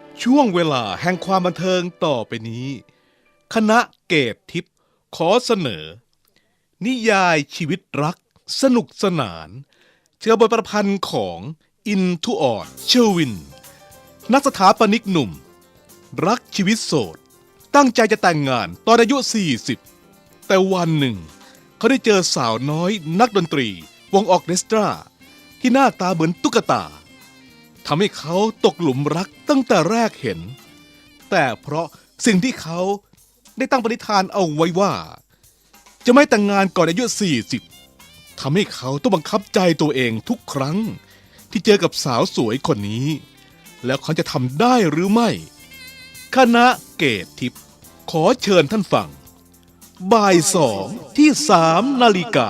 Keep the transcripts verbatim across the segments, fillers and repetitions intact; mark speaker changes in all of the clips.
Speaker 1: ช่วงเวลาแห่งความบันเทิงต่อไปนี้คณะเกตทิพย์ขอเสนอ นิยายชีวิตรักสนุกสนานเชื่อบทประพันธ์ของอินทุออดเชอร์วินนักสถาปนิกหนุ่มรักชีวิตโสดตั้งใจจะแต่งงานตอนอายุสี่สิบแต่วันหนึ่งเขาได้เจอสาวน้อยนักดนตรีวงออร์เคสตราที่หน้าตาเหมือนตุ๊กตาทำให้เขาตกหลุมรักตั้งแต่แรกเห็นแต่เพราะสิ่งที่เขาได้ตั้งปณิธานเอาไว้ว่าจะไม่แต่งงานก่อนอายุสี่สิบทำให้เขาต้องบังคับใจตัวเองทุกครั้งที่เจอกับสาวสวยคนนี้แล้วเขาจะทำได้หรือไม่คณะเกตทิพย์ขอเชิญท่านฟังบ่ายสองที่สามนาฬิกา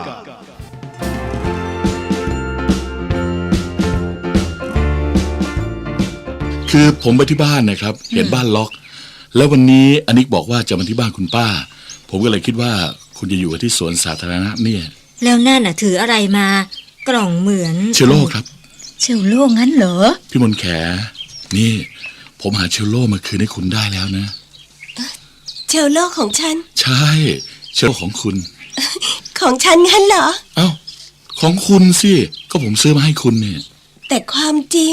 Speaker 2: คือผมไปที่บ้านนะครับเห็นบ้านล็อกแล้ววันนี้อนิกบอกว่าจะมาที่บ้านคุณป้าผมก็เลยคิดว่าคุณจะอยู่ที่สวนสาธารณะเนี่ย
Speaker 3: แล้วนั่นน่ะถืออะไรมากล่องเหมือน
Speaker 2: เชลโล่ครับ
Speaker 4: เชลโล่งั้นเหรอ
Speaker 2: พี่มนแขนี่ผมหาเชลโล่มาคืนให้คุณได้แล้วนะ
Speaker 4: เชลโล่ของฉัน
Speaker 2: ใช่เชลโล่ของคุณ
Speaker 4: ของฉันงั้นเหรอ
Speaker 2: เอ้าของคุณสิก็ผมซื้อมาให้คุณเนี่ย
Speaker 4: แต่ความจริง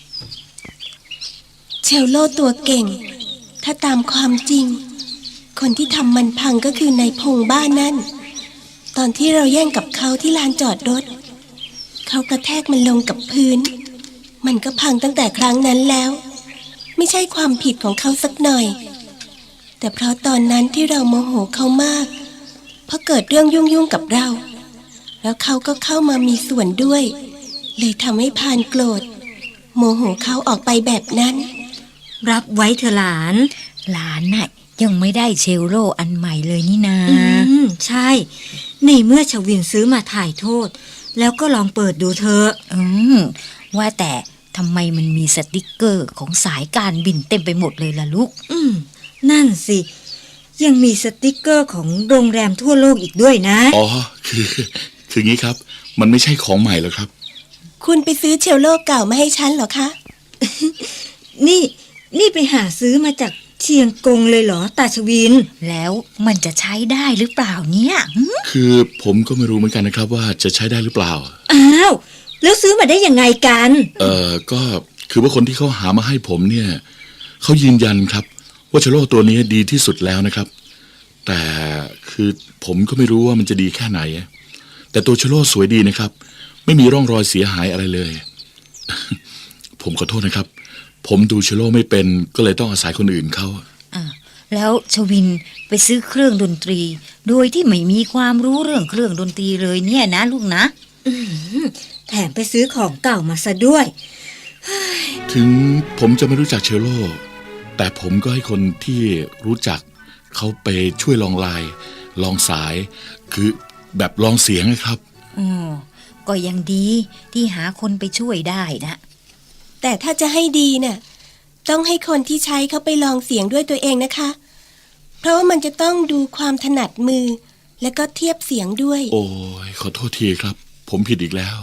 Speaker 4: เชลโล่ตัวเก่งถ้าตามความจริงคนที่ทำมันพังก็คือนายพงบ้านนั่นตอนที่เราแย่งกับเขาที่ลานจอดรถเขากระแทกมันลงกับพื้นมันก็พังตั้งแต่ครั้งนั้นแล้วไม่ใช่ความผิดของเขาสักหน่อยแต่เพราะตอนนั้นที่เราโมโหเขามากเพราะเกิดเรื่องยุ่งๆกับเราแล้วเขาก็เข้ามามีส่วนด้วยเลยทำให้พานโกรธโมโหเขาออกไปแบบนั้น
Speaker 3: รับไว้เถอะหลาน
Speaker 4: หลานน่ะยังไม่ได้เชลโล่อันใหม่เลยนี่นา
Speaker 3: อืมใช่ในเมื่อชวินซื้อมาถ่ายโทษแล้วก็ลองเปิดดูเถอะ
Speaker 4: อืมว่าแต่ทำไมมันมีสติกเกอร์ของสายการบินเต็มไปหมดเลยล่ะลูก
Speaker 3: อืมนั่นสิยังมีสติกเกอร์ของโรงแรมทั่วโลกอีกด้วยนะ
Speaker 2: อ๋อคือคืองี้ครับมันไม่ใช่ของใหม่หรอกครับ
Speaker 4: คุณไปซื้อเชลโล่เก่ามาให้ฉันเหรอคะ
Speaker 3: นี่นี่ไปหาซื้อมาจากเชียงกงเลยเหรอตาชวิน
Speaker 4: แล้วมันจะใช้ได้หรือเปล่าเนี่ย
Speaker 2: คือผมก็ไม่รู้เหมือนกันนะครับว่าจะใช้ได้หรือเปล่า
Speaker 3: อ้าวแล้วซื้อมาได้ยังไงกัน
Speaker 2: เออก็คือว่าคนที่เขาหามาให้ผมเนี่ยเขายืนยันครับว่าเชลโล่ตัวนี้ดีที่สุดแล้วนะครับแต่คือผมก็ไม่รู้ว่ามันจะดีแค่ไหนแต่ตัวเชลโล่สวยดีนะครับไม่มีร่องรอยเสียหายอะไรเลย ผมขอโทษนะครับผมดูเชลโล่ไม่เป็นก็เลยต้องอาศัยคนอื่นเขา
Speaker 4: อ่าแล้วชวินไปซื้อเครื่องดนตรีโดยที่ไม่มีความรู้เรื่องเครื่องดนตรีเลยเนี่ยนะลูกนะ
Speaker 3: แถมไปซื้อของเก่ามาซะด้วย
Speaker 2: ถึงผมจะไม่รู้จักเชลโล่แต่ผมก็ให้คนที่รู้จักเขาไปช่วยลองลายลองสายคือแบบลองเสียงนะครับ
Speaker 4: อ๋อก็ยังดีที่หาคนไปช่วยได้นะ
Speaker 5: แต่ถ้าจะให้ดีน่ะต้องให้คนที่ใช้เขาไปลองเสียงด้วยตัวเองนะคะเพราะว่ามันจะต้องดูความถนัดมือและก็เทียบเสียงด้วย
Speaker 2: โอ้ยขอโทษทีครับผมผิดอีกแล้ว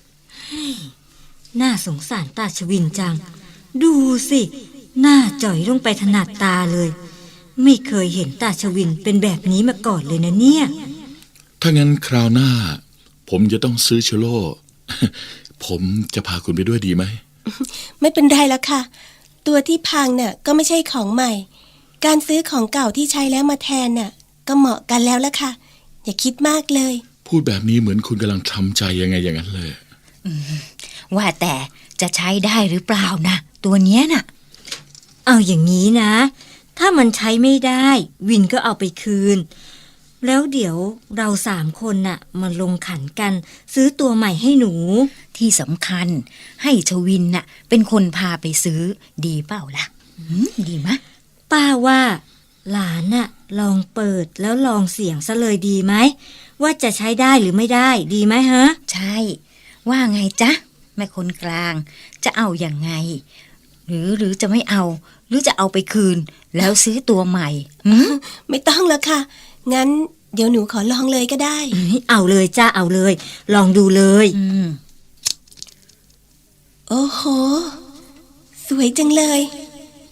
Speaker 3: น่าสงสารตาชวินจังดูสิหน้าจ่อยลงไปถนัดตาเลยไม่เคยเห็นตาชวินเป็นแบบนี้มาก่อนเลยนะเนี่ย
Speaker 2: ถ้างั้นคราวหน้าผมจะต้องซื้อเชลโล่ผมจะพาคุณไปด้วยดีไหม
Speaker 5: ไม่เป็นไรแล้วค่ะตัวที่พังน่ะก็ไม่ใช่ของใหม่การซื้อของเก่าที่ใช้แล้วมาแทนน่ะก็เหมาะกันแล้วละค่ะอย่าคิดมากเลย
Speaker 2: พูดแบบนี้เหมือนคุณกำลังทำใจยังไงอย่างนั้นเลย
Speaker 4: ว่าแต่จะใช้ได้หรือเปล่านะตัวเนี้ยน่ะ
Speaker 3: เอาอย่างนี้นะถ้ามันใช้ไม่ได้วินก็เอาไปคืนแล้วเดี๋ยวเราสามคนน่ะมาลงขันกันซื้อตัวใหม่ให้หนู
Speaker 4: ที่สำคัญให้ชวินน่ะเป็นคนพาไปซื้อดีเปล่าล่ะดีมะ
Speaker 3: ป้าว่าหลานน่ะลองเปิดแล้วลองเสียงซะเลยดีไหมว่าจะใช้ได้หรือไม่ได้ดีไหมฮะ
Speaker 4: ใช่ว่าไงจ๊ะแม่คนกลางจะเอาอย่างไงหรือหรือจะไม่เอาหรือจะเอาไปคืนแล้วซื้อตัวใหม่
Speaker 5: ไม่ต้องแล้วค่ะงั้นเดี๋ยวหนูขอลองเลยก็ได้
Speaker 3: เอาเลยจ้าเอาเลยลองดูเลย
Speaker 5: โอ้โหสวยจังเลย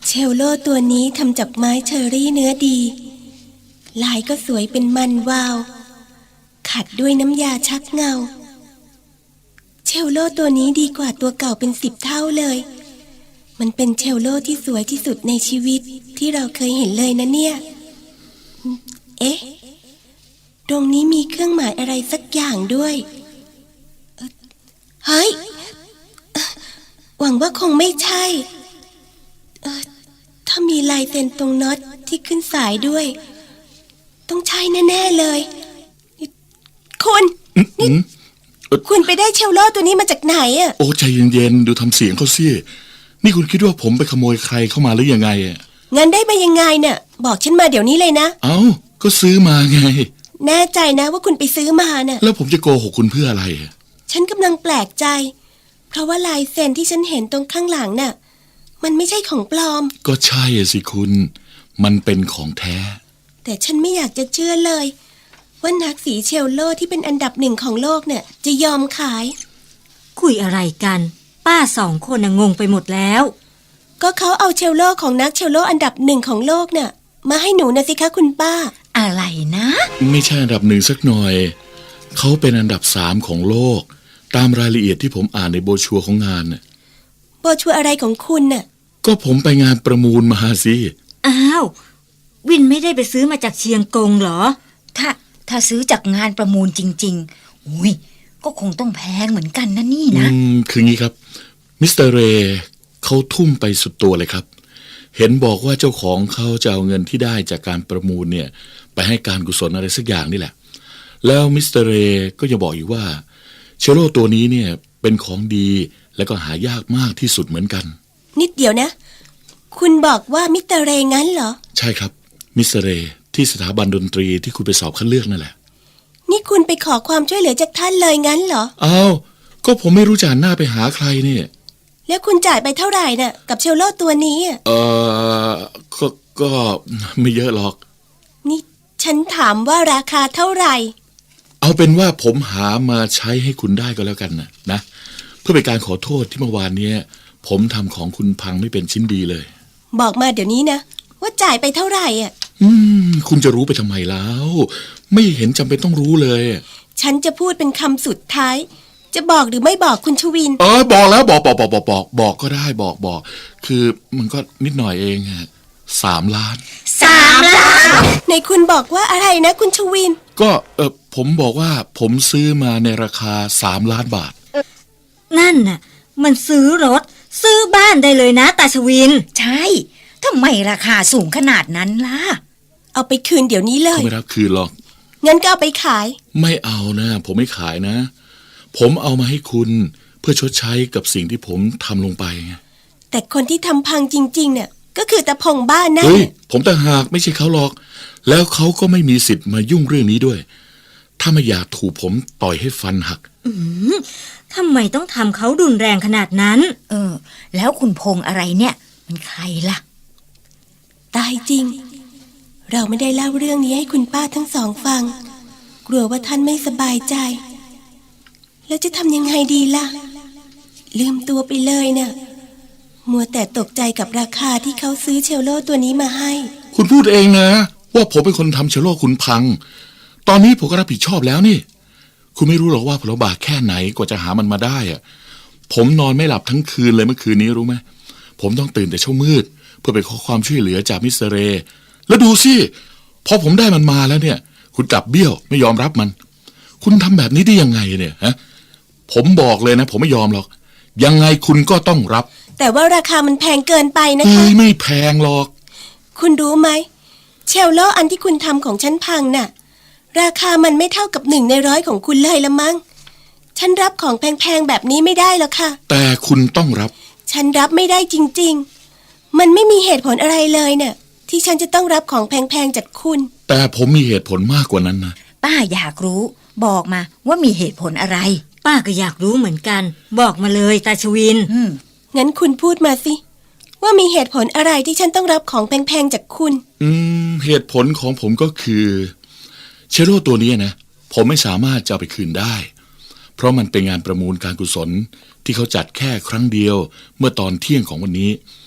Speaker 5: เชลโลตัวนี้ทำจากไม้เชอรี่เนื้อดี ลายก็สวยเป็นมันวาว ขัดด้วยน้ำยาชักเงา เชลโลตัวนี้ดีกว่าตัวเก่าเป็นสิบเท่าเลย มันเป็นเชลโลที่สวยที่สุดในชีวิตที่เราเคยเห็นเลยนะเนี่ย เอ๊ะ ตรงนี้มีเครื่องหมายอะไรสักอย่างด้วยเอ่อเฮ้ย หวังว่าคงไม่ใช่เอ่อถ้ามีลายเซ็นตรงน็อตที่ขึ้นสายด้วย ต้องใช่แน่ๆเลย คุณ
Speaker 2: อืมอืม
Speaker 5: คุณไปได้เชลโลตัวนี้มาจากไหนอ่ะ
Speaker 2: โอ้ใจเย็นๆดูทำเสียงเขาสินี่คุณคิดว่าผมไปขโมยใครเข้ามาหรือยังไงอ่ะ
Speaker 5: งั้นได้มายังไงเนี่ยบอกฉันมาเดี๋ยวนี้เลยนะ
Speaker 2: เอ้าก็ซื้อมาไง
Speaker 5: แน่ใจนะว่าคุณไปซื้อมาน่ะ
Speaker 2: แล้วผมจะโกหกคุณเพื่ออะไรอะ
Speaker 5: ฉันกำลังแปลกใจ เพราะว่าลายเซ็นที่ฉันเห็นตรงข้างหลังน่ะ มันไม่ใช่ของปลอม
Speaker 2: ก็ใช่อะสิคุณ มันเป็นของแท้
Speaker 5: แต่ฉันไม่อยากจะเชื่อเลย ว่านักสีเชลโลที่เป็นอันดับหนึ่งของโลกเนี่ยจะยอมขาย
Speaker 3: คุยอะไรกัน ป้าสองคนน่ะงงไปหมดแล้ว
Speaker 5: ก็เขาเอาเชลโลของนักเชลโลอันดับหนึ่งของโลกเนี่ยมาให้หนูนะสิคะคุณป้า
Speaker 6: อะไรนะ
Speaker 2: ไม่ใช่อันดับหนึ่งสักหน่อย เขาเป็นอันดับสามของโลก ตามรายละเอียดที่ผมอ่านในโบรชัวร์ของงานน่ะ
Speaker 5: โบชัวร์อะไรของคุณน่ะ
Speaker 2: ก็ผมไปงานประมูลมาสิ
Speaker 3: อ้าว วินไม่ได้ไปซื้อมาจากเชียงกงเหรอ
Speaker 6: ถ้าถ้าซื้อจากงานประมูลจริงๆอุ้ยก็คงต้องแพงเหมือนกันนะนี่
Speaker 2: อื
Speaker 6: นะ
Speaker 2: มคืองี้ครับมิสเตอร์เรย์เขาทุ่มไปสุดตัวเลยครับ เห็นบอกว่าเจ้าของเขาจะเอาเงินที่ได้จากการประมูลเนี่ย ไปให้การกุศลอะไรสักอย่างนี่แหละ แล้วมิสเตอร์เรย์ก็ยังบอกอีกว่าเชลโลตัวนี้เนี่ยเป็นของดีและก็หายากมากที่สุดเหมือนกัน
Speaker 5: นิดเดียวนะ คุณบอกว่ามิสเตอร์เรย์งั้นเหรอ
Speaker 2: ใช่ครับมิสเตอร์เรย์ที่สถาบันดนตรีที่คุณไปสอบคัดเลือกนั่นแหละ
Speaker 5: นี่คุณไปขอความช่วยเหลือจากท่านเลยงั้นเหรอ
Speaker 2: อ้าวก็ผมไม่รู้จะหันหน้าไปหาใครเนี่ย
Speaker 5: แล้วคุณจ่ายไปเท่าไหร่น่ะกับเชลโลตัวนี้อะ
Speaker 2: เออก็ก็ไม่เยอะหรอก
Speaker 5: นี่ฉันถามว่าราคาเท่าไหร่
Speaker 2: เอาเป็นว่าผมหามาใช้ให้คุณได้ก็แล้วกันนะนะเพื่อเป็นการขอโทษที่เมื่อวานเนี้ยผมทำของคุณพังไม่เป็นชิ้นดีเลย
Speaker 5: บอกมาเดี๋ยวนี้นะ ว่าจ่ายไปเท่าไหร่อ่ะ
Speaker 2: อืมคุณจะรู้ไปทำไมแล้ว ไม่เห็นจำเป็นต้องรู้เลย
Speaker 5: ฉันจะพูดเป็นคำสุดท้าย จะบอกหรือไม่บอกคุณชวิน
Speaker 2: เออบอกแล้วบอกบอกบอกบอกบอกบอกก็ได้บอกบอกคือมันก็นิดหน่อยเองฮะสามล้าน
Speaker 6: สามล้าน
Speaker 5: ในคุณบอกว่าอะไรนะคุณชวิน
Speaker 2: ก็เออผมบอกว่าผมซื้อมาในราคาสามล้านบาท
Speaker 3: นั่นน่ะ มันซื้อรถ ซื้อบ้านได้เลยนะตาชวิน
Speaker 6: ใช่ทำไมราคาสูงขนาดนั้นล่ะ
Speaker 5: เอาไปคืนเดี๋ยวนี้เล
Speaker 2: เขา
Speaker 5: ย
Speaker 2: ไม่รับคืนหรอก
Speaker 5: งั้นก็เอาไปขาย
Speaker 2: ไม่เอานะ ผมไม่ขายนะ ผมเอามาให้คุณเพื่อชดใช้กับสิ่งที่ผมทำลงไปไง
Speaker 5: แต่คนที่ทำพังจริงๆเนี่ยก็คือตาพงบ้านนั่น
Speaker 2: เฮ้ย
Speaker 5: น่ะ
Speaker 2: ผมต่างหากไม่ใช่เขาหรอก แล้วเขาก็ไม่มีสิทธิ์มายุ่งเรื่องนี้ด้วย ถ้าไม่อยากถูกผมต่อยให้ฟันหัก
Speaker 3: ทำไมต้องทำเขารุนแรงขนาดนั้น
Speaker 6: เออ แล้วคุณพงษ์อะไรเนี่ย มันใครล่ะ
Speaker 5: ตายจริง เราไม่ได้เล่าเรื่องนี้ให้คุณป้าทั้งสองฟัง กลัวว่าท่านไม่สบายใจ แล้วจะทำยังไงดีล่ะ ลืมตัวไปเลยเนะ่ะมัวแต่ตกใจกับราคาที่เขาซื้อเชลโลตัวนี้มาให้
Speaker 2: คุณพูดเองนะ ว่าผมเป็นคนทำเชลโลคุณพัง ตอนนี้ผมก็รับผิดชอบแล้วนี่ คุณไม่รู้หรอกว่าผมลำบากแค่ไหนกว่าจะหามันมาได้อะผมนอนไม่หลับทั้งคืนเลยเมื่อคืนนี้รู้ไหมผมต้องตื่นแต่เช้ามืด เพื่อไปขอความช่วยเหลือจากมิสเตอร์เรย์แล้วดูสิพอผมได้มันมาแล้วเนี่ย คุณกลับเบี้ยวไม่ยอมรับมัน คุณทำแบบนี้ได้ยังไงเนี่ยฮะผมบอกเลยนะ ผมไม่ยอมหรอก ยังไงคุณก็ต้องรับ
Speaker 5: แต่ว่าราคามันแพงเกินไปนะ
Speaker 2: เอ้
Speaker 5: คะ
Speaker 2: ยไม่แพงหรอก
Speaker 5: คุณรู้ไหมเชลโลอันที่คุณทำของฉันพังน่ะ ราคามันไม่เท่ากับหนึ่งในร้อยของคุณเลยละมั้งฉันรับของแพงๆแบบนี้ไม่ได้หรอกค่ะ
Speaker 2: แต่คุณต้องรับ
Speaker 5: ฉันรับไม่ได้จริงๆ มันไม่มีเหตุผลอะไรเลยเนี่ยที่ฉันจะต้องรับของแพงๆจากคุณ
Speaker 2: แต่ผมมีเหตุผลมากกว่านั้นนะ
Speaker 6: ป้าอยากรู้ บอกมาว่ามีเหตุผลอะไร
Speaker 3: ป้าก็อยากรู้เหมือนกัน บอกมาเลยตาชวิน
Speaker 6: อืม
Speaker 5: งั้นคุณพูดมาสิ ว่ามีเหตุผลอะไรที่ฉันต้องรับของแพงๆจากคุณ
Speaker 2: อืมเหตุผลของผมก็คือเชลโลตัวนี้นะผมไม่สามารถจะเอาไปคืนได้ เพราะมันเป็นงานประมูลการกุศลที่เขาจัดแค่ครั้งเดียวเมื่อตอนเที่ยงของวันนี้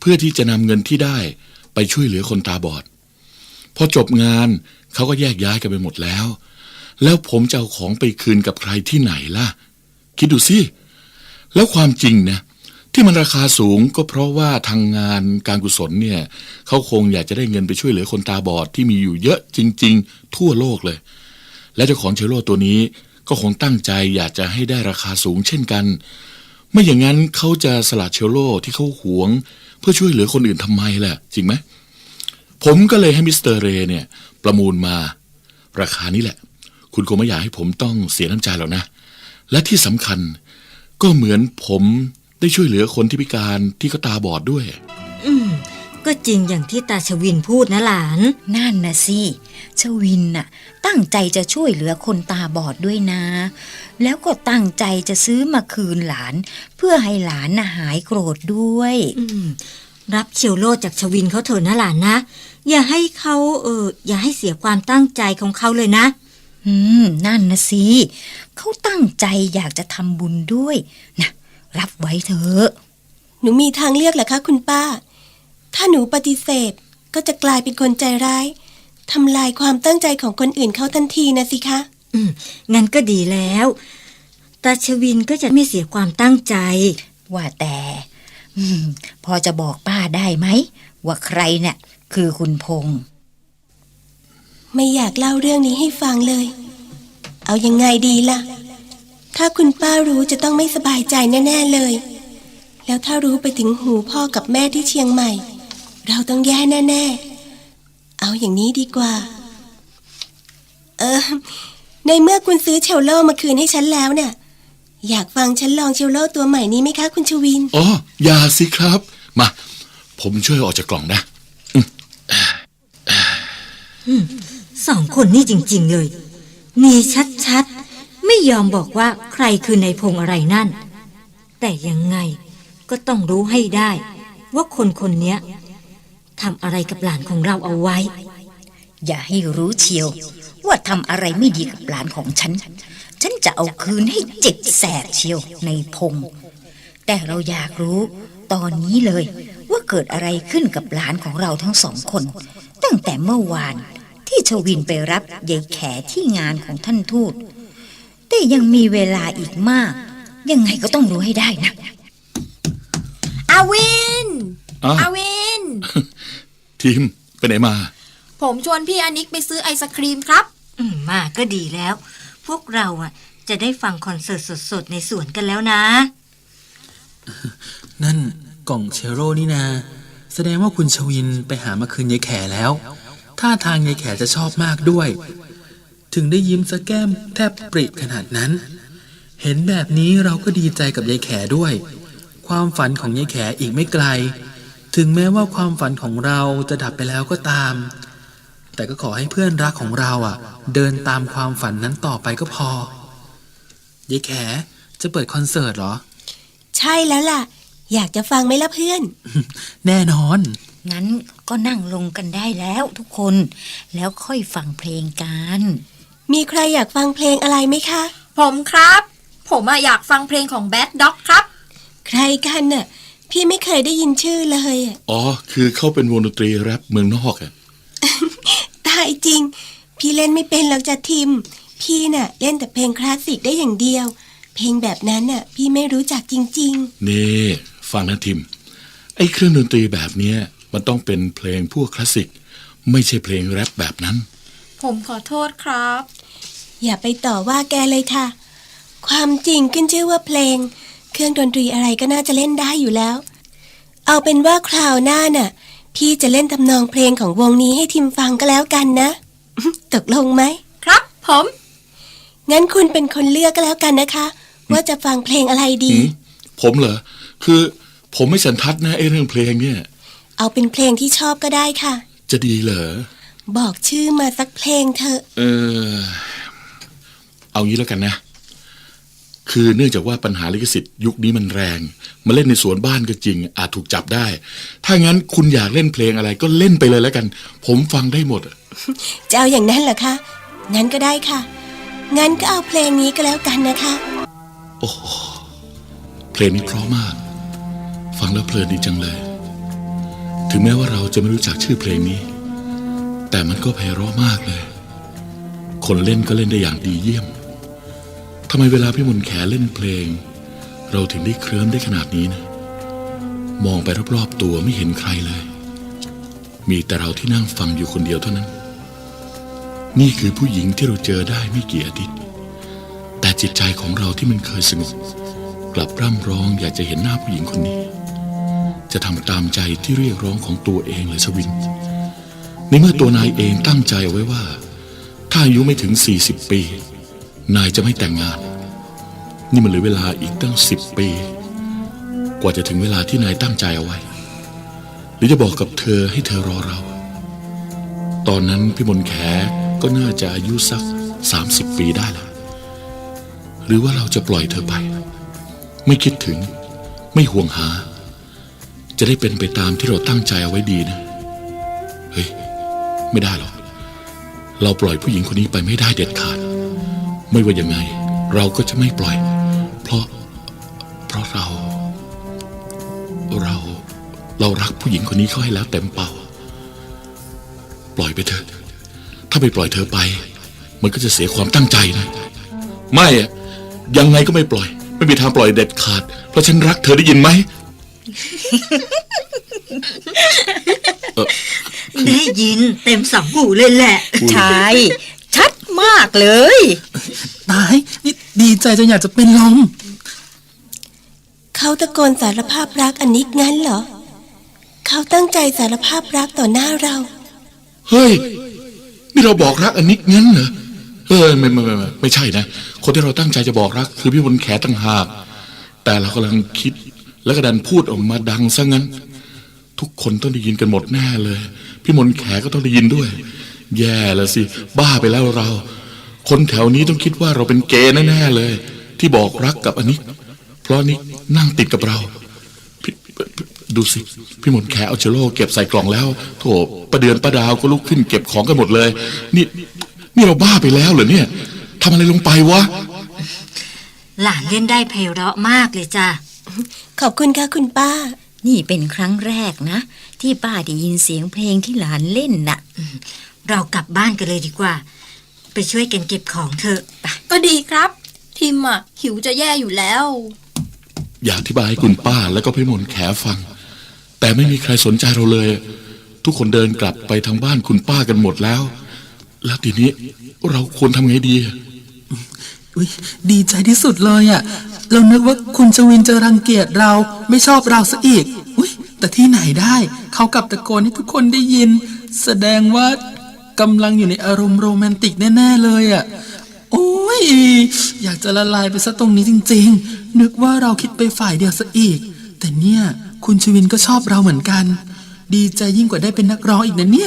Speaker 2: เพื่อที่จะนำเงินที่ได้ไปช่วยเหลือคนตาบอดพอจบงานเขาก็แยกย้ายกันไปหมดแล้วแล้วผมจะเอาของไปคืนกับใครที่ไหนล่ะคิดดูสิแล้วความจริงนะที่มันราคาสูงก็เพราะว่าทางงานการกุศลเนี่ยเขาคงอยากจะได้เงินไปช่วยเหลือคนตาบอดที่มีอยู่เยอะจริงๆทั่วโลกเลยและเจ้าของเชลโลตัวนี้ก็คงตั้งใจอยากจะให้ได้ราคาสูงเช่นกันไม่อย่างนั้นเขาจะสละเชลโลที่เขาหวงเพื่อช่วยเหลือคนอื่นทำไมล่ะจริงไหมผมก็เลยให้มิสเตอร์เรย์เนี่ยประมูลมาราคานี้แหละคุณคงไม่อยากให้ผมต้องเสียน้ำใจหรอกนะและที่สำคัญก็เหมือนผมได้ช่วยเหลือคนที่พิการที่เขาตาบอดด้วย
Speaker 3: อืมก็จริงอย่างที่ตาชวินพูดนะหลาน
Speaker 6: นั่นนะสิชวินน่ะตั้งใจจะช่วยเหลือคนตาบอดด้วยนะแล้วก็ตั้งใจจะซื้อมาคืนหลานเพื่อให้หลานน่ะหายโกรธด้วย
Speaker 3: อืมรับเชลโลจากชวินเขาเถอะนะหลานนะอย่าให้เขาเอออย่าให้เสียความตั้งใจของเขาเลยนะ
Speaker 6: อืมนั่นนะสิเขาตั้งใจอยากจะทำบุญด้วยนะรับไว้เถอะ
Speaker 5: หนูมีทางเลือกเหรอคะคุณป้าถ้าหนูปฏิเสธก็จะกลายเป็นคนใจร้ายทำลายความตั้งใจของคนอื่นเขาทันทีนะสิคะ
Speaker 3: อืมงั้นก็ดีแล้วตาชวินก็จะไม่เสียความตั้งใจ
Speaker 6: ว่าแต่อืมพอจะบอกป้าได้ไหมว่าใครเนี่ยคือคุณพงษ์
Speaker 5: ไม่อยากเล่าเรื่องนี้ให้ฟังเลยเอายังไงดีล่ะถ้าคุณป้ารู้จะต้องไม่สบายใจแน่ๆเลยแล้วถ้ารู้ไปถึงหูพ่อกับแม่ที่เชียงใหม่เราต้องแย่แน่ๆเอาอย่างนี้ดีกว่าเออในเมื่อคุณซื้อเชลโลมาคืนให้ฉันแล้วเนี่ยอยากฟังฉันลองเชลโลตัวใหม่นี้ไหมคะคุณชวิน
Speaker 2: อ๋ออย่าสิครับมาผมช่วยออกจากกล่องนะ
Speaker 3: สองคนนี่จริงๆเลยมีชัดๆไม่ยอมบอกว่าใครคือนายพงษ์อะไรนั่นแต่ยังไงก็ต้องรู้ให้ได้ว่าคนคนนี้ทำอะไรกับหลานของเราเอาไว้
Speaker 6: อย่าให้รู้เชียวว่าทำอะไรไม่ดีกับหลานของฉันฉันจะเอาคืนให้เจ็บแสบเชียวในพงษ์แต่เราอยากรู้ตอนนี้เลยว่าเกิดอะไรขึ้นกับหลานของเราทั้งสองคนตั้งแต่เมื่อวานที่ชวินไปรับยายแขที่งานของท่านทูตแต่ยังมีเวลาอีกมากยังไงก็ต้องรู้ให้ได้นะ
Speaker 7: อาวิน
Speaker 2: อา
Speaker 7: วิน
Speaker 2: ทีมไปไหนมา
Speaker 7: ผมชวนพี่อนิกไปซื้อไอศครีมครับ
Speaker 3: อืมมาก็ดีแล้วพวกเราอ่ะจะได้ฟังคอนเสิร์ตสดๆในสวนกันแล้วนะ
Speaker 8: นั่นกล่องเชลโลนี่นาแสดงว่าคุณชวินไปหามาคืนยายแขแล้วท่าทางยายแขจะชอบมากด้วยถึงได้ยิ้มสะแก้มแทบปริขนาดนั้นเห็นแบบนี้เราก็ดีใจกับยายแขด้วยความฝันของยายแขอีกไม่ไกลถึงแม้ว่าความฝันของเราจะดับไปแล้วก็ตามแต่ก็ขอให้เพื่อนรักของเราอ่ะเดินตามความฝันนั้นต่อไปก็พอยายแขจะเปิดคอนเสิร์ตเหรอ
Speaker 5: ใช่แล้วล่ะอยากจะฟังไหมล่ะเพื่อน
Speaker 8: แน่นอน
Speaker 6: งั้นก็นั่งลงกันได้แล้วทุกคนแล้วค่อยฟังเพลงกัน
Speaker 5: มีใครอยากฟังเพลงอะไรไหมคะ
Speaker 7: ผมครับผมอยากฟังเพลงของแบดด็อกครับ
Speaker 5: ใครกันน่ะพี่ไม่เคยได้ยินชื่อเลย
Speaker 2: อ๋อคือเขาเป็นวงดนตรีแรปเมืองนอกอะ
Speaker 5: ตายจริงพี่เล่นไม่เป็นหรอกจ้ะทิมพี่น่ะเล่นแต่เพลงคลาสสิกได้อย่างเดียวเพลงแบบนั้นน่ะพี่ไม่รู้จักจริง
Speaker 2: ๆนี่ฟังนะทิมไอ้เครื่องดนตรีแบบเนี้ยมันต้องเป็นเพลงพวกคลาสสิกไม่ใช่เพลงแรปแบบนั้น
Speaker 7: ผมขอโทษครับ
Speaker 5: อย่าไปต่อว่าแกเลยค่ะความจริงขึ้นชื่อว่าเพลงเครื่องดนตรีอะไรก็น่าจะเล่นได้อยู่แล้วเอาเป็นว่าคราวหน้าน่ะพี่จะเล่นทำนองเพลงของวงนี้ให้ทิมฟังก็แล้วกันนะ ตกลงไหม
Speaker 7: ครับผม
Speaker 5: งั้นคุณเป็นคนเลือกก็แล้วกันนะคะว่าจะฟังเพลงอะไรดี
Speaker 2: ผมเหรอคือผมไม่สันทัดนะไอ้เรื่องเพลงเนี่ย
Speaker 5: เอาเป็นเพลงที่ชอบก็ได้ค่ะ
Speaker 2: จะดีเหรอ
Speaker 5: บอกชื่อมาสักเพลงเถอะ
Speaker 2: เออเอางี้แล้วกันนะคือเนื่องจากว่าปัญหาลิขสิทธิ์ยุคนี้มันแรงมาเล่นในสวนบ้านก็จริงอาจถูกจับได้ถ้างั้นคุณอยากเล่นเพลงอะไรก็เล่นไปเลยแล้วกันผมฟังได้หมด
Speaker 5: จะเอาอย่างนั้นเหรอคะงั้นก็ได้ค่ะงั้นก็เอาเพลงนี้ก็แล้วกันนะคะ
Speaker 2: โอ้เพลงนี้เพราะมากฟังแล้วเพลินดีจังเลยถึงแม้ว่าเราจะไม่รู้จักชื่อเพลงนี้แต่มันก็ไพเราะมากเลยคนเล่นก็เล่นได้อย่างดีเยี่ยมทำไมเวลาพี่มนต์แขเล่นเพลงเราถึงได้เคลิ้มได้ขนาดนี้นะมองไปรอบๆตัวไม่เห็นใครเลยมีแต่เราที่นั่งฟังอยู่คนเดียวเท่านั้นนี่คือผู้หญิงที่เราเจอได้ไม่กี่อาทิตย์แต่จิตใจของเราที่มันเคยสงบกลับร่ำร้องอยากจะเห็นหน้าผู้หญิงคนนี้จะทำตามใจที่เรียกร้องของตัวเองเลยชวินในเมื่อตัวนายเองตั้งใจเอาไว้ว่าถ้าอายุไม่ถึงสี่สิบปีนายจะไม่แต่งงานนี่มันเหลือเวลาอีกตั้งสิบปีกว่าจะถึงเวลาที่นายตั้งใจเอาไว้หรือจะบอกกับเธอให้เธอรอเราตอนนั้นพี่มนต์แขก็น่าจะอายุสักสามสิบปีได้แล้วหรือว่าเราจะปล่อยเธอไปไม่คิดถึงไม่ห่วงหาจะได้เป็นไปตามที่เราตั้งใจเอาไว้ดีนะเฮ้ยไม่ได้หรอกเราปล่อยผู้หญิงคนนี้ไปไม่ได้เด็ดขาดไม่ว่ายังไงเราก็จะไม่ปล่อยเพราะเพราะเราเราเรารักผู้หญิงคนนี้เขาให้แล้วเต็มเป่าปล่อยไปเถอะถ้าไปปล่อยเธอไปมันก็จะเสียความตั้งใจนะไม่อะยังไงก็ไม่ปล่อยไม่มีทางปล่อยเด็ดขาดเพราะฉันรักเธอได้ยินไหม
Speaker 3: ได้ยินเต็มสองหูเลยแหละ
Speaker 6: ใช่ชัดมากเลย
Speaker 8: ตายนี่ดีใจจนอยากจะเป็นลม
Speaker 4: เขาตะโกนสารภาพรักอันนิกงั้นเหรอเขาตั้งใจสารภาพรักต่อหน้าเรา
Speaker 2: เฮ้ยนี่เราบอกรักอันนิกงั้นเหรอเออไม่ไม่ไม่ไม่ไม่ใช่นะคนที่เราตั้งใจจะบอกรักคือพี่มนต์แขต่างหากแต่เรากำลังคิดแล้วก็ดันพูดออกมาดังซะงั้นทุกคนต้องได้ยินกันหมดแน่เลยพี่มนต์แขก็ต้องได้ยินด้วยแย่แล้วสิบ้าไปแล้วเราคนแถวนี้ต้องคิดว่าเราเป็นเกย์แน่ๆเลยที่บอกรักกับอันนิกเพราะนิกนั่งติดกับเราดูสิพี่มนต์แขเอาเชลโล่เก็บใส่กล่องแล้วโถประเดือนประดาวก็ลุกขึ้นเก็บของกันหมดเลยนี่นี่เราบ้าไปแล้วเหรอเนี่ยทำอะไรลงไปวะ
Speaker 3: หลานเล่นได้ไพเราะมากเลยจ้ะ
Speaker 4: ขอบคุณค่ะคุณป้า
Speaker 6: นี่เป็นครั้งแรกนะที่ป้าได้ยินเสียงเพลงที่หลานเล่นน่ะ
Speaker 3: เรากลับบ้านกันเลยดีกว่าไปช่วยกันเก็บของเถอะไป
Speaker 7: ก็ดีครับ ทิมอ่ะหิวจะแย่อยู่แล้ว
Speaker 2: อยากอธิบายให้คุณป้าแล้วก็พี่มนต์แขฟังแต่ไม่มีใครสนใจเราเลยทุกคนเดินกลับไปทางบ้านคุณป้ากันหมดแล้วแล้วทีนี้เราควรทำไงดี
Speaker 8: อุ๊ยดีใจที่สุดเลยอ่ะเรานึกว่าคุณชวินจะรังเกียจเราไม่ชอบเราซะอีกอุ๊ยแต่ที่ไหนได้เขากลับตะโกนให้ทุกคนได้ยินแสดงว่ากำลังอยู่ในอารมณ์โรแมนติกแน่ๆเลยอ่ะโอ้ยอยากจะละลายไปซะตรงนี้จริงๆนึกว่าเราคิดไปฝ่ายเดียวซะอีกแต่เนี่ยคุณชวินก็ชอบเราเหมือนกันดีใจยิ่งกว่าได้เป็นนักร้องอีกนะเนี่ย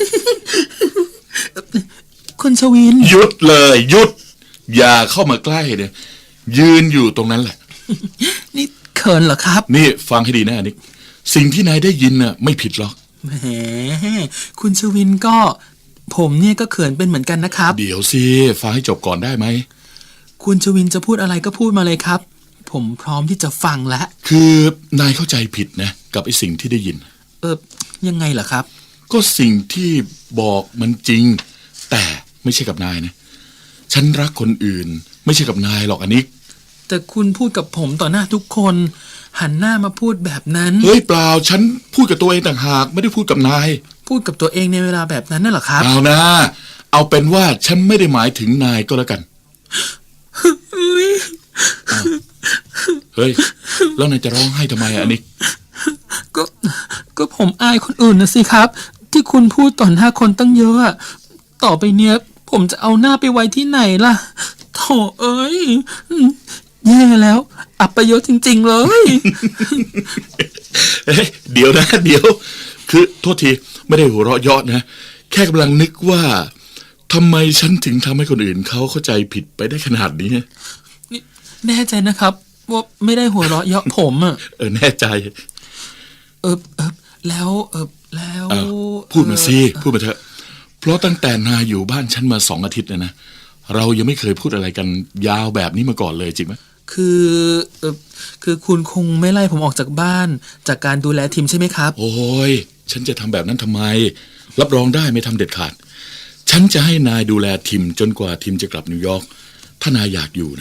Speaker 8: คุณชวิน
Speaker 2: หยุดเลยหยุดอย่าเข้ามาใกล้เนี่ยยืนอยู่ตรงนั้นแหละ
Speaker 8: นี่เขินเหรอครับ
Speaker 2: นี่ฟังให้ดีนะนิกสิ่งที่นายได้ยินน่ะไม่ผิดหรอก
Speaker 8: แหมคุณชวินก็ผมเนี่ยก็เขินเป็นเหมือนกันนะครับ
Speaker 2: เดี๋ยวสิฟังให้จบก่อนได้ไหม
Speaker 8: คุณชวินจะพูดอะไรก็พูดมาเลยครับผมพร้อมที่จะฟังแล้ว
Speaker 2: คือนายเข้าใจผิดนะกับไอ้สิ่งที่ได้ยิน
Speaker 8: เออยังไงล่ะครับ
Speaker 2: ก็สิ่งที่บอกมันจริงแต่ไม่ใช่กับนายนะฉันรักคนอื่นไม่ใช่กับนายหรอกอันนี้
Speaker 8: แต่คุณพูดกับผมต่อหน้าทุกคนหันหน้ามาพูดแบบนั้น
Speaker 2: เฮ้ยเปล่าฉันพูดกับตัวเองต่างหากไม่ได้พูดกับนาย
Speaker 8: พูดกับตัวเองในเวลาแบบนั้นน่ะเหรอครับ
Speaker 2: เอานะเอาเป็นว่าฉันไม่ได้หมายถึงนายก็แล้วกันเฮ้ยแล้วนายจะร้องไห้ทำไมอันนี้
Speaker 8: ก็ก็ผมอายคนอื่นนะสิครับที่คุณพูดต่อหน้าคนตั้งเยอะต่อไปเนี้ยผมจะเอาหน้าไปไว้ที่ไหนล่ะโถเอ้ยแย่แล้วอับประโยชน์จริงๆเลย
Speaker 2: เฮ้ยเดี๋ยวนะเดี๋ยวคือโทษทีไม่ได้หัวเราะเยาะนะแค่กำลังนึกว่าทำไมฉันถึงทำให้คนอื่นเขาเข้าใจผิดไปได้ขนาดนี้
Speaker 8: นี่แน่ใจนะครับว่าไม่ได้หัวเราะเยาะผมอ่ะ
Speaker 2: เออแน่ใจ
Speaker 8: เออเออแล้วเออแล้ว
Speaker 2: พูดมาสิพูดมาเถอะเพราะตั้งแต่นายอยู่บ้านฉันมาสองอาทิตย์แล้วนะเรายังไม่เคยพูดอะไรกันยาวแบบนี้มาก่อนเลยจริงไหม
Speaker 8: คือเออคือคุณคงไม่ไล่ผมออกจากบ้านจากการดูแลทีมใช่ไหมครับ
Speaker 2: โอ้ยฉันจะทำแบบนั้นทำไมรับรองได้ไม่ทำเด็ดขาดฉันจะให้นายดูแลทิมจนกว่าทิมจะกลับนิวยอร์กถ้านายอยากอยู่นะ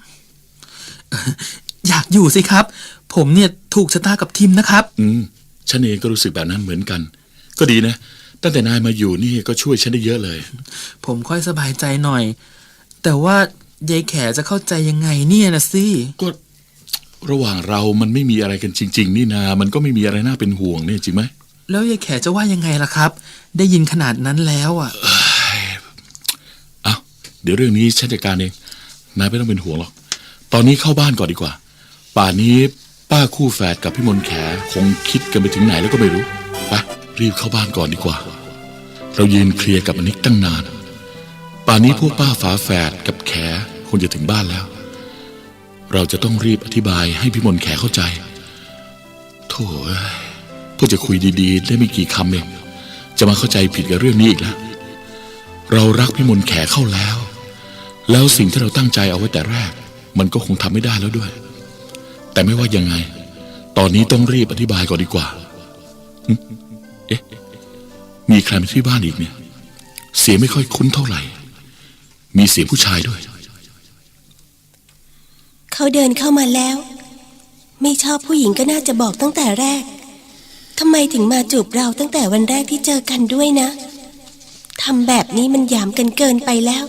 Speaker 8: อยากอยู่สิครับผมเนี่ยถูกชะตากับทิมนะครับ
Speaker 2: อืมฉันเองก็รู้สึกแบบนั้นเหมือนกันก็ดีนะตั้งแต่นายมาอยู่นี่ก็ช่วยฉันได้เยอะเลย
Speaker 8: ผมค่อยสบายใจหน่อยแต่ว่ายายแขจะเข้าใจยังไงเนี่ยนะสิ
Speaker 2: ก็ระหว่างเรามันไม่มีอะไรกันจริงๆนี่นามันก็ไม่มีอะไรน่าเป็นห่วงเนี่ยจริงไหม
Speaker 8: แล้วยายแขจะว่ายังไงล่ะครับได้ยินขนาดนั้นแล้วอ่ะ
Speaker 2: เอ้าเดี๋ยวเรื่องนี้ฉันจัดการเองนายไม่ต้องเป็นห่วงหรอกตอนนี้เข้าบ้านก่อนดีกว่าป่านนี้ป้าคู่แฝดกับพี่มนต์แขคงคิดกันไปถึงไหนแล้วก็ไม่รู้ไปรีบเข้าบ้านก่อนดีกว่าเรายืนเคลียร์กับอนิกตั้งนานป่านนี้พวกป้าฝาแฝดกับแขคงจะถึงบ้านแล้วเราจะต้องรีบอธิบายให้พี่มนต์แขเข้าใจโถ่เพื่อจะคุยดีๆได้ไม่กี่คำเองจะมาเข้าใจผิดกับเรื่องนี้อีกแล้วเรารักพี่มนต์แขเข้าแล้วแล้วสิ่งที่เราตั้งใจเอาไว้แต่แรกมันก็คงทำไม่ได้แล้วด้วยแต่ไม่ว่ายังไงตอนนี้ต้องรีบอธิบายก่อนดีกว่าเอ๊ะมีใครมาที่บ้านอีกเนี่ยเสียงไม่ค่อยคุ้นเท่าไหร่มีเสียงผู้ชายด้วย
Speaker 4: เขาเดินเข้ามาแล้วไม่ชอบผู้หญิงก็น่าจะบอกตั้งแต่แรกทำไมถึงมาจูบเราตั้งแต่วันแรกที่เจอกันด้วยนะทำแบบนี้มันหยามกันเกินไปแล้ว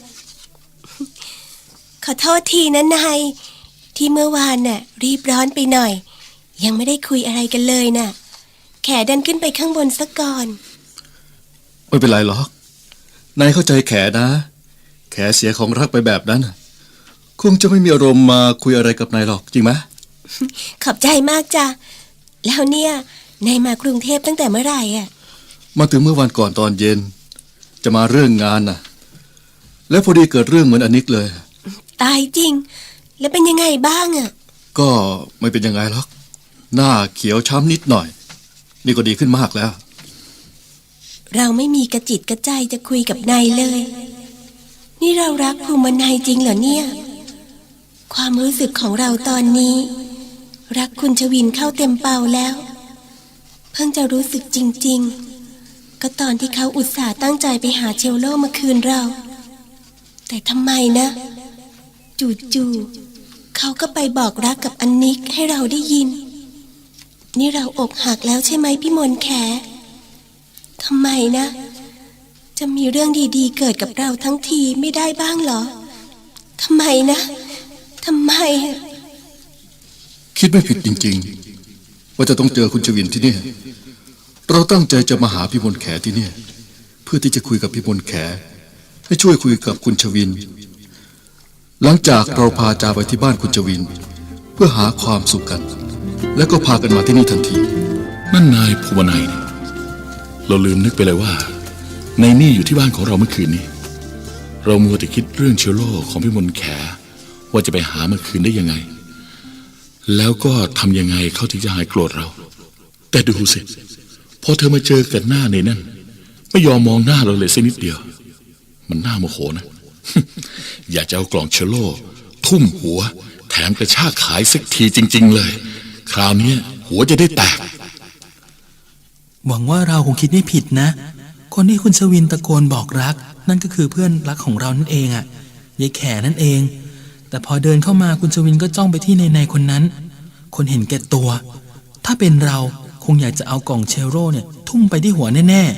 Speaker 4: ขอโทษทีนะนายที่เมื่อวานน่ะรีบร้อนไปหน่อยยังไม่ได้คุยอะไรกันเลยน่ะแขดันขึ้นไปข้างบนซะก่อน
Speaker 9: ไม่เป็นไรหรอกนายเข้าใจแขนะแขเสียของรักไปแบบนั้นคงจะไม่มีอารมณ์มาคุยอะไรกับนายหรอกจริงไหม
Speaker 4: ขอบใจมากจ้ะแล้วเนี่ยนายมากรุงเทพตั้งแต่เมื่อไหร่อ่ะ
Speaker 9: มาถึงเมื่อวันก่อนตอนเย็นจะมาเรื่องงานน่ะแล้วพอดีเกิดเรื่องเหมือนอนิกเลย
Speaker 4: ตายจริงแล้วเป็นยังไงบ้างอ่ะ
Speaker 9: ก็ไม่เป็นยังไงหรอกหน้าเขียวช้ำนิดหน่อยนี่ก็ดีขึ้นมากแล้ว
Speaker 4: เราไม่มีกระจิตกระใจจะคุยกับนายเลยนี่เรารักภูมินายจริงเหรอเนี่ยความรู้สึกของเราตอนนี้รักคุณชวินเข้าเต็มเป่าแล้วเพิ่งจะรู้สึกจริงๆก็ตอนที่เขาอุตส่าห์ตั้งใจไปหาเชลโลมาคืนเราแต่ทำไมนะจู่ๆเขาก็ไปบอกรักกับอันนิกให้เราได้ยินนี่เราอกหักแล้วใช่ไหมพี่มนต์แขทำไมนะจะมีเรื่องดีๆเกิดกับเราทั้งทีไม่ได้บ้างเหรอทำไมนะทำไม
Speaker 9: คิดไม่ผิดจริงๆว่าจะต้องเจอคุณชวินที่นี่เราตั้งใจจะมาหาพี่มนต์แขที่นี่เพื่อที่จะคุยกับพี่มนต์แขให้ช่วยคุยกับคุณชวินหลังจากเราพาจาไปที่บ้านคุณชวินเพื่อหาความสุขกันแล้วก็พากันมาที่นี่ทันที
Speaker 2: นั่นนายภูวนัยเราลืมนึกไปเลยว่าในนี่อยู่ที่บ้านของเราเมื่อคืนนี้เรามัวแต่คิดเรื่องเชลโลของพี่มนต์แขว่าจะไปหาเมื่อคืนได้ยังไงแล้วก็ทำยังไงเขาถึงจะหายโกรธเราแต่ดูสิพอเธอมาเจอกันหน้าในนั่นไม่ยอมมองหน้าเราเลยสักนิดเดียวมันน่าโมโหนะ อยากจะเอากล่องเชลโลทุ่มหัวแถมกระชากขายสักทีจริงๆเลยคราวนี้หัวจะได้แตก
Speaker 8: หวังว่าเราคงคิดไม่ผิดนะคนที่คุณชวินตะโกนบอกรักนั่นก็คือเพื่อนรักของเรานั่นเองอะยายแขนั่นเองแต่พอเดินเข้ามาคุณชวินก็จ้องไปที่ในในคนนั้นคนเห็นแก่ตัวถ้าเป็นเราคงอยากจะเอากล่องเชลโลเนี่ยทุ่มไปที่หัวแน่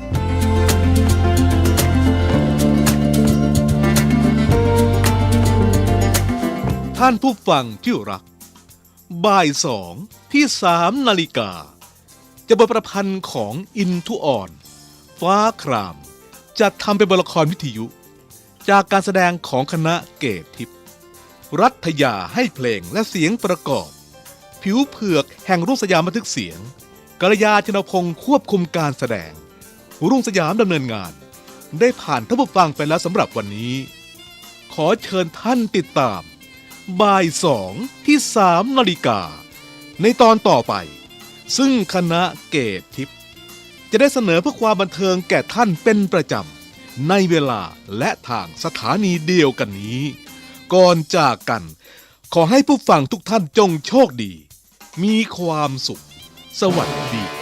Speaker 1: ท่านผู้ฟังที่รักบ่ายสองที่สามนาฬิกาจะบทประพันธ์ของอินทุอ่อนฟ้าครามจัดทำเป็นบทละครวิทยุจากการแสดงของคณะเกตทิพย์รัฐยาให้เพลงและเสียงประกอบผิวเผือกแห่งรุ่งสยามบันทึกเสียงกัลยาชนพงศ์ควบคุมการแสดงรุ่งสยามดำเนินงานได้ผ่านท่านผู้ฟังไปแล้วสำหรับวันนี้ขอเชิญท่านติดตามบ่ายสองที่สามนาฬิกาในตอนต่อไปซึ่งคณะเกตทิพย์จะได้เสนอเพื่อความบันเทิงแก่ท่านเป็นประจำในเวลาและทางสถานีเดียวกันนี้ก่อนจากกันขอให้ผู้ฟังทุกท่านจงโชคดีมีความสุขสวัสดี